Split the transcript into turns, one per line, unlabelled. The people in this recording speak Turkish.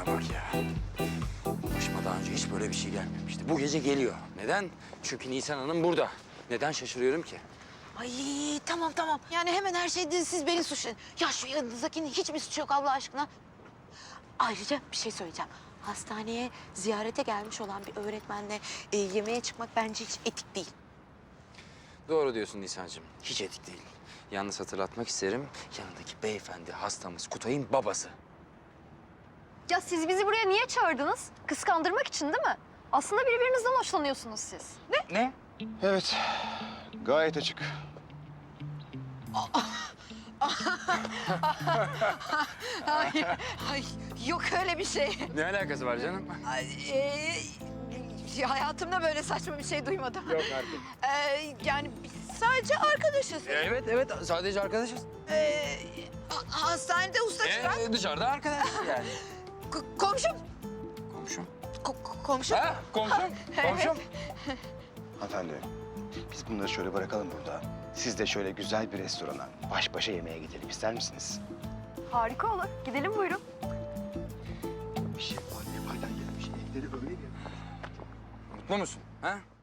Bana bak ya. Başıma daha önce hiç böyle bir şey gelmemişti. Bu gece geliyor. Neden? Çünkü Nisan Hanım burada. Neden şaşırıyorum ki?
Ay tamam tamam. Yani hemen her şeyde siz beni suçlayın. Ya şu yanınızdakinin hiçbir suçu yok Allah aşkına. Ayrıca bir şey söyleyeceğim. Hastaneye ziyarete gelmiş olan bir öğretmenle yemeğe çıkmak bence hiç etik değil.
Doğru diyorsun Nisan'cığım. Hiç etik değil. Yalnız hatırlatmak isterim. Yanındaki beyefendi hastamız Kutay'ın babası.
Ya siz bizi buraya niye çağırdınız? Kıskandırmak için değil mi? Aslında birbirinizden hoşlanıyorsunuz siz.
Ne?
Evet, gayet açık.
Ay yok öyle bir şey.
Ne alakası var canım?
Ay, hayatımda böyle saçma bir şey duymadım.
Yok artık.
Yani biz sadece arkadaşız.
Evet sadece arkadaşız.
Hastanede usta çırak.
Dışarıda arkadaş yani.
Komşum.
Komşum.
Komşum.
Ha komşum. Komşum.
Hanımefendi, biz bunları şöyle bırakalım burada. Siz de şöyle güzel bir restorana baş başa yemeğe gidelim ister misiniz?
Harika olur. Gidelim buyurun.
Bir şey var, Nepal'den gelmiş. Evleri öyle bir...
Mutlu musun? Ha?